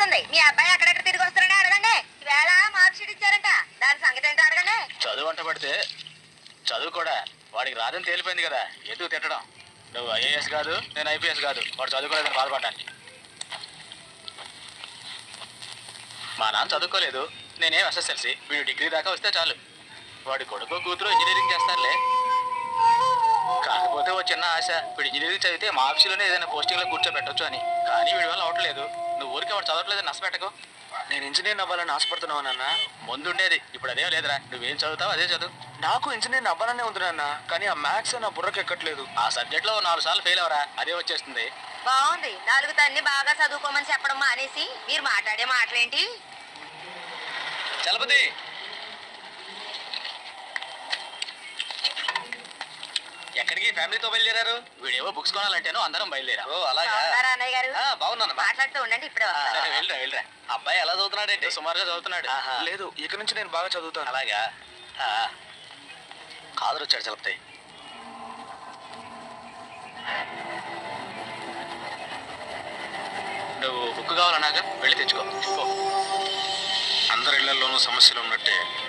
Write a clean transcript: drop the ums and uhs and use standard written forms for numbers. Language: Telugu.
వస్తుంది. మీ అబ్బాయి అక్కడెక్కడ తిరిగి వస్తున్నాడో అడగండి. ఈవేళ మార్క్ షీట్ ఇచ్చారంట, దాని సంగతి ఏంటో అడగండి. చదువు అంట పడితే చదువు కూడా వాడికి రాదని తేలిపోయింది కదా, ఎందుకు తిట్టడం? నువ్వు ఐఏఎస్ కాదు, నేను ఐపీఎస్ కాదు, వాడు చదువుకోలేదని బాధపడ్డాను. మా నాన్న చదువుకోలేదు, నేనేం ఎస్ఎస్ఎల్సి, వీడు డిగ్రీ దాకా వస్తే చాలు. వాడి కొడుకు కూతురు ఇంజనీరింగ్ చేస్తారులే. కాకపోతే ఓ చిన్న ఆశ, వీడు ఇంజనీరింగ్ చదివితే మా ఆఫీసులోనే ఏదైనా పోస్టింగ్లో కూర్చోబెట్టొచ్చు అని. కానీ వీడి వల్ల అవట్లేదు. నువ్వు ఊరికి వాడు చదవట్లేదని నష్టపెట్టకు. నేను ఇంజనీర్ అవ్వాలని ఆశపడుతున్నావు నాన్న. ముందుండేది, ఇప్పుడు అదేం లేదురా. నువ్వేం చదువుతావు అదే చదువు. నాకు ఇంజనీర్ అవ్వాలనే ఉంది నాన్న, కానీ ఆ మ్యాథ్స్ నా బుర్రకి ఎక్కట్లేదు. ఆ సబ్జెక్ట్లో 4 సార్లు ఫెయిల్ అవరా, అదే వచ్చేస్తుంది. బాగుంది, 4 తన్ని బాగా చదువుకోమని చెప్పడం మానేసి మీరు మాట్లాడే మాటలేంటి? చలపతి, ఎక్కడికి ఫ్యామిలీతో బయలుదేరారు? వీడేవో బుక్స్ కొనాలంటేనో అందరం బయలుదేరారు. అలాగా అన్నయ్య గారు? బాగున్నాను, మాట్లాడుతూ ఉండండి, ఇప్పుడే వెళ్ళరా వెళ్ళరా. అబ్బాయి ఎలా చదువుతున్నాడంటే? సుమారుగా చదువుతున్నాడు. లేదు, ఇక నుంచి నేను బాగా చదువుతాను. అలాగా, కాదరు వచ్చాడు చలపతి. నువ్వు బుక్ కావాలన్నాగా, వెళ్ళి తెచ్చుకో. అందరి ఇళ్లలోనూ సమస్యలు ఉన్నట్టే